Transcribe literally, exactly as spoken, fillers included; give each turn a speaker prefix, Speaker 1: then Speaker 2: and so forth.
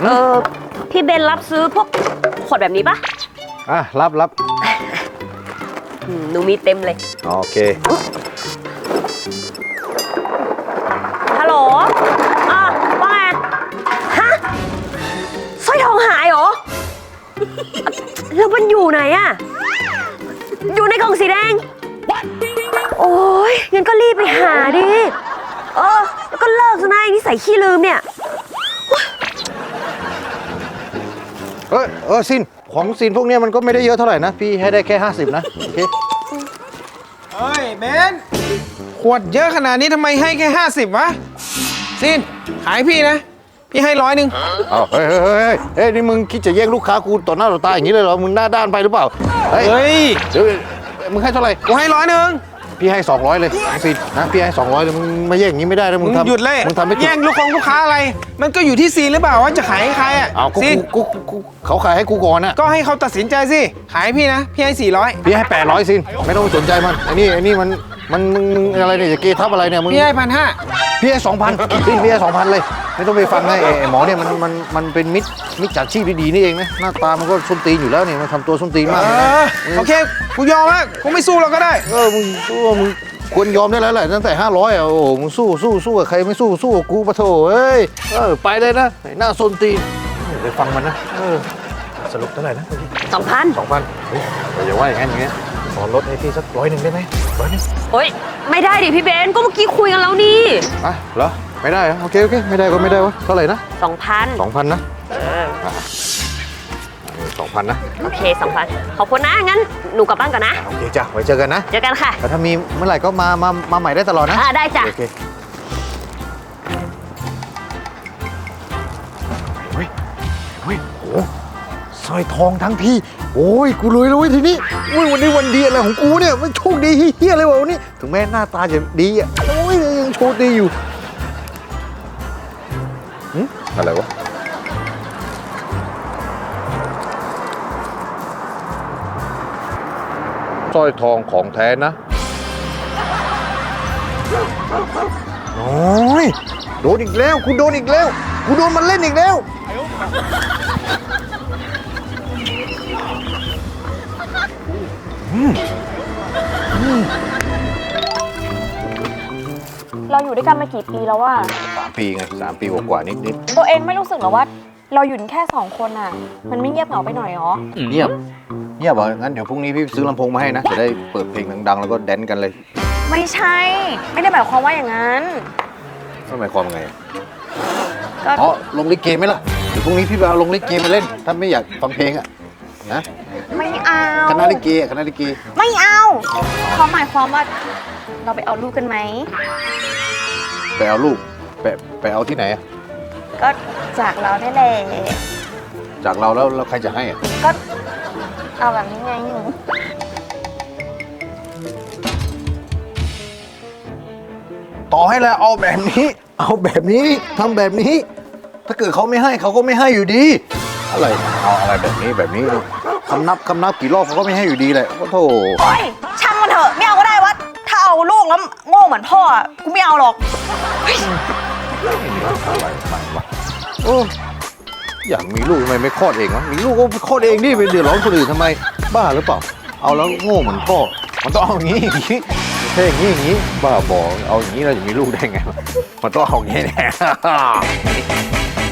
Speaker 1: เออพี่เบนรับซื้อพวกขวดแบบนี้ปะ
Speaker 2: อ่ะรับรับ
Speaker 1: หนูมีเต็มเลย
Speaker 2: โอเค
Speaker 1: ฮัลโหลอ่ะว่าไงฮะสร้อยทองหายเหรอแล้วมันอยู่ไหนอะอยู่ในกล่องสีแดงโอ้ยงั้นก็รีบไปหาดิเออแล้วก็เลิกซะนะไอ้นิสัยขี้ลืมเนี่ย
Speaker 2: เออเออซินของซินพวกเนี้ยมันก็ไม่ได้เยอะเท่าไหร่นะพี่ให้ได้แค่ห้าสิบนะโอเค
Speaker 3: เฮ้ยเบนขวดเยอะขนาดนี้ทำไมให้แค่ห้าสิบวะซินขายพี่นะพี่ให้ร้อยหนึ่ง
Speaker 2: เอาเฮ้ยเฮ้ยเฮ้ยเฮ้ยนี่มึงคิดจะแย่งลูกค้ากูต่อหน้าต่อตาอย่างนี้เลยเหรอมึงหน้าด้านไปหรือเปล่าเฮ้ย
Speaker 3: เฮ้ย
Speaker 2: เดี๋ยวมึงให้เท่าไหร่
Speaker 3: กูให้ร้อยหนึ่ง
Speaker 2: พี่ให้สองร้อยเลยซินนะพี่ให้สองร้อยเลยมึงมาแย่งอย่างนี้ไม่ได้นะมึ
Speaker 3: มึ
Speaker 2: ง
Speaker 3: ง
Speaker 2: ทำ
Speaker 3: หยุดเลย
Speaker 2: มึงทำไม่ถูก
Speaker 3: แย่งลูกของลูกค้าอะไร มันก็อยู่ที่ซีนหรือเปล่าว่าจะขายให้ใครอ่ะ
Speaker 2: เอากู
Speaker 3: ซีน
Speaker 2: กูกูกูเขาขายให้กูก่อนนะ
Speaker 3: ก็ให้เขาตัดสินใจสิขายให้พี่นะพี่ให้สี่ร้อย
Speaker 2: พี่ให้แปดร้อยซินไม่ต้องสนใจมันไอ้นี่ไอ้นี่มันมันมึงมึงอะไรเนี่ยจะเกทับอะไรเนี่ยมึง
Speaker 3: พี่ให้พันห้า
Speaker 2: พี่ให้สองพันซินพี่ให้สองพันเลยไม่ต้องไปฟังนะไอ้ไอ้หมอเนี่ยมันมันมันเป็นมิตรมิจฉาชีพดีๆนี่เองนะหน้าตามันก็ส้นตีนอยู่แล้วเนี่ยมันทำตัวส้นตีนมาก
Speaker 3: เอ
Speaker 2: เลยนะ
Speaker 3: อโอเคกูยอมแล้วกูไม่สู้เราก็ได้
Speaker 2: เออมึงสู้มึงควรยอมได้แล้วแหละตั้งแต่ห้าร้อยอ่ะโอ้โหมึงสู้สู้สู้กับใครไม่สู้สู้กับกูปะโถเอ้ยเออไปเลยนะไอ้หน้าส้นตีนไปฟังมันนะเออสรุปเท่าไหร่นะ
Speaker 1: สองพัน
Speaker 2: สองพันเฮ้ยอย่าว่าอย่างนั้นอย่างเงี้ยขอลดให้พี่สักร้อยหนึ่งได้ไหมร้อยหนึ่ง
Speaker 1: เฮ้ยไม่ได้ดิพี่เบนก็เมื่อกี้คุยกันแล้วนี่
Speaker 2: อ่ะเหรอไม่ได้เหรอโอเคโอเคไม่ได้ก็ไม่ได้วะเท่าไหร่นะ
Speaker 1: สองพัน
Speaker 2: สองพันนะสองพันนะ
Speaker 1: โอเคสองพันขอบคุณนะงั้นหนูกลับบ้านก่อนนะ
Speaker 2: โอเคจ้ะไว้เจอกันนะ
Speaker 1: เจอกันค่ะ
Speaker 2: แต่ถ้ามีเมื่อไหร่ก็มามามาใหม่ได้ตลอดนะ
Speaker 1: อ่าได้จ้ะ
Speaker 2: โอเคเฮ้ยเฮ้ยโอ้สร้อยทองทั้งพี่โอ้ยกูรวยแล้วเว้ยทีนี้โอ้ยวันนี้วันดีอะไรของกูเนี่ยมันโชคดีเฮี้ยเลยวะวันนี้ถึงแม้หน้าตาจะดีอ่ะโอ้ยยังโชคดีอยู่หึอะไรวะสร้อยทองของแท้นะโอ้ยโดนอีกแล้วกูโดนอีกแล้วกูโดนมันเล่นอีกแล้ว
Speaker 4: เราอยู่ด้วยกันมากี่ปีแล้วว่า
Speaker 2: สามปีไงสามปีกว่าๆนิดนิด
Speaker 4: ตัวเองไม่รู้สึกหรอว่า เราอยู่แค่สองคนอ่ะ มันไม่เงียบเหงาไปหน่อยหรอ
Speaker 2: เงียบเงียบเหรองั้นเดี๋ยวพรุ่งนี้พี่ซื้อลำโพงมาให้นะจะได้เปิดเพลงดังๆแล้วก็แดนกันเลย
Speaker 4: ไม่ใช่ ไม่ได้หมายความว่าอย่างนั้น
Speaker 2: นั่นหมายความไง
Speaker 4: ก็
Speaker 2: อ๋อลงลิเกไหมล่ะเดี๋ยวพรุ่งนี้พี่ไปเอาลงลิเกมาเล่นถ้าไม่อยากฟังเพลงอะนะ
Speaker 4: ไม่เอา
Speaker 2: คณะลิเกอะคณะลิเก
Speaker 4: ไม่เอาเขาหมายความว่า เราไปเอาลูกกันไหม
Speaker 2: ไปเอาลูกไปไปเอาที่ไหนอะ
Speaker 4: ก็จากเราได้แหละ
Speaker 2: จากเราแล้วแล้วใครจะให้อะ
Speaker 4: ก็เอาแบบนี้ไงหนู
Speaker 2: ต่อให้แล้วเอาแบบนี้ เอาแบบนี้ทำแบบนี้ ถ้าเกิดเขาไม่ให้เขาก็ไม่ให้อยู่ดี อะไรเอาอะไรแบบนี้แบบนี้คำนับคำนับกี่รอบเขาก็ไม่ให้อยู่ดีแหละโอ้โธ่
Speaker 4: โอ๊ยช่างมันเถอะไม่เอาก็ได้วะถ้าเอาลูกแล้วโง่เหมือนพ่ออะกูไม่เอาหรอก
Speaker 2: อะไรมันวะโอ้อยากมีลูกทำไมไม่คลอดเองวะมีลูกก็คลอดเองดิไปเดือดร้อนคนอื่นทำไมบ้าหรือเปล่าเอาแล้วโง่เหมือนพ่อมันต้องเอาอย่างนี้อย่างนี้แค่อย่างนี้อย่างนี้บ้าบอเอาอย่างนี้เราจะมีลูกได้ไงมันต้องเอาอย่างนี้แน่